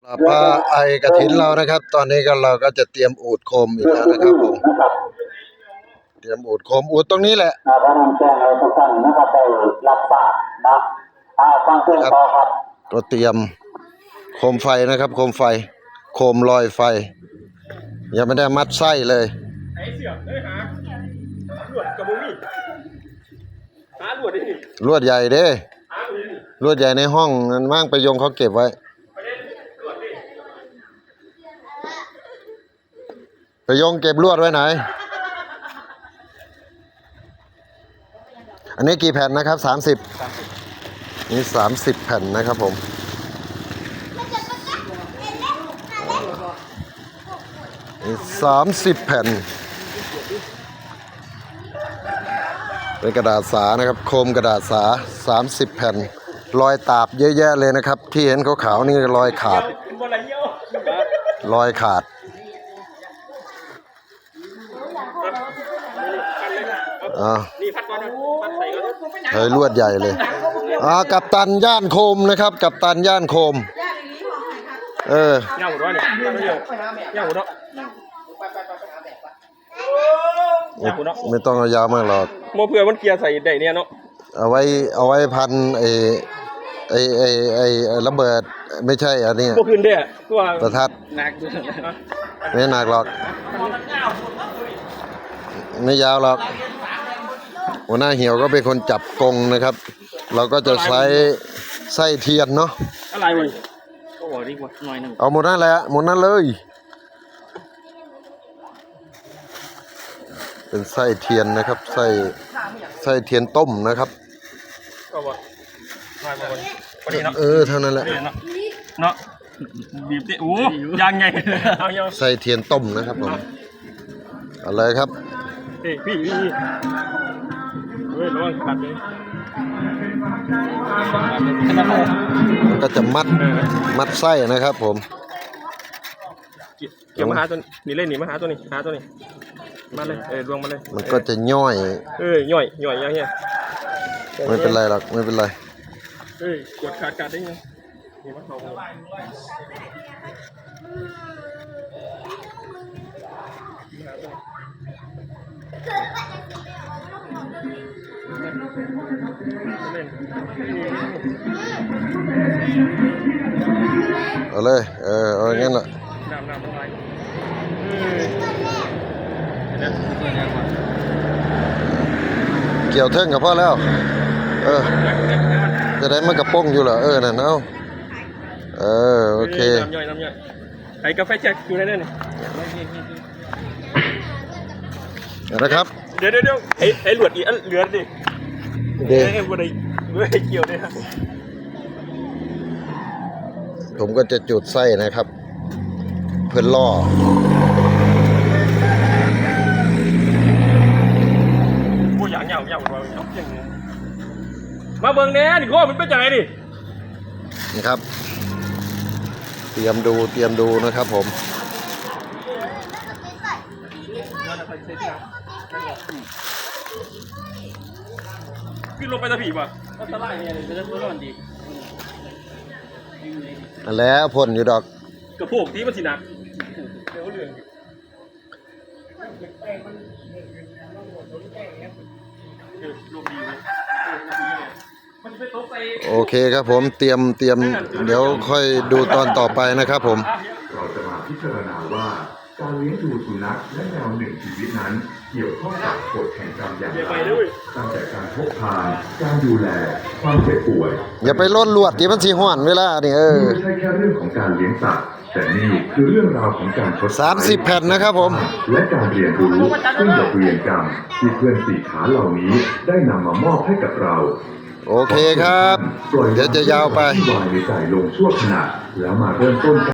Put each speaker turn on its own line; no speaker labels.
ปลาไอกระถินเรานะครับ ตอนนี้เราก็จะเตรียมอูดโคมอีกแล้วนะครับผมเตรียมอูดโคมอูดตรงนี้แหละ
พระนำแจ้งให้ทุกท่านนะครับได้รับทราบนะฟังเพลงต่อครับ
ก็เตรียมโคมไฟนะครับโคมไฟโคมลอยไฟยังไม่ได้มัดไส้เลย
ไอ้เสือกเลยหาลวดกับบุ้งนี่หาลวดดิ
ลวดใหญ่เด้ลวดใหญ่ในห้องนั้นว่างไปยงเขาเก็บไว้ไปยงเก็บลวดไว้ไหนอันนี้กี่แผ่นนะครับ30นี่30แผ่นนะครับผมนี่30แผ่นเป็นกระดาษสานะครับโคมกระดาษสา30แผ่นรอยตาบเยอะแยะเลยนะครับที่เห็นขาวๆนี่รอยขาดรอยขาดเฮ้ยลวดใหญ่เลยกัปตันย่านโคมนะครับกัปตันย่านโคม
ย่างหัวเนี่ยย่างหัว
ไม่ต้องเอายาวมากหรอก
โมเผื่อมันเกียร์ใส่ได้เนี่ยเนาะ
เอาไว้พันไอระเบิดไม่ใช่อันนี้
พวกคืนเด้อตัว
ประทัด
หนัก
ไม่หนักหรอกไม่ยาวหรอกหัวหน้าเหี่ยวก็เป็นคนจับกงนะครับเราก็จะใช้ไส้เทียนเนาะ
อะไรวะก็บอกดีกว่าหน่อยนึง
เอาหมดนั่นแหละหมดนั่นเลยเป็นไส้เทียนนะครับไส้เทียนต้มนะครับ
ก็บอก
เท่านั้นแหละ
เนาะบีบดิโอ้ยังไง
ไส้เทียนต้มนะครับผมอะไรครับ
พี่ระวังขาดเลย
มันก็จะมัดไส้นะครับผม
เกี่ยวมาหาตัวนี้เล่นหนีมาหาตัวนี้หาตัวนี้มาเลยดวงมาเลย
มันก็จะย่อย
ย่อยอย่างเงี้ย
ไม่เป็นไรหรอกไม่เป็นไร
กดขาดได้ยังนี่มันเขา
เอาเลยเอาอย่างงั้นแหละเกี่ยวเท่งกับพ่อแล้วจะได้มันกระป้งอยู่เหรอนั่นเอาโอเค
น้ำย่อยไอ้กาแฟแจ็คอยู่ในนั่น
นี่นะครับ
เดี๋ยวไอ้หลวดอีอันเหลือดิเดี๋ยววันไหนเกี่ยวเนี่ย
ผมก็จะจุดไส้นะครับเพื่อล่อ
กูอย่างเงี้ยมาเบิ่งแน่ดิข้อมันเป็นยังไงดิ
นะครับเตรียมดูนะครับผม
ขึ้นลงไปตะผีป่ะก็ตะไลเนี่ยจะได้ร้อนดี
แล้วพ่นอยู่ดอก
กระโปงที่มันสีหนักเดี๋ยวเรื่อง
โอเคครับผมเตรียมเดี๋ยวค่อยดูตอนต่อไปนะครับผม
เราจะมาพิจารณาว่าการเลี้ยงดูสุนัขและแมวหนึ่งชีวิตนั้นเกี่ยวข้องกับกฎแห่งกรรมอย่างไรตั้งแต่การพกพาการดูแลความเจ็บป่วย
อย่าไปล้นลวดที่มันสีห้อนเวลานี่
ไม่ใช่แค่เรื่องของการเลี้ยงสัตว์แต่นี่คือเรื่องราวของการ
30แผ่นนะครับผม
และการเรียนรู้ซึ่งบทเรียนกรรมที่เพื่อนสี่ขาเหล่านี้ได้นำมามอบให้กับเรา
โอเคครับเดี๋ยวจะยาวไป
วางในใจลงชั่วขณะแล้วมาเริ่มต้น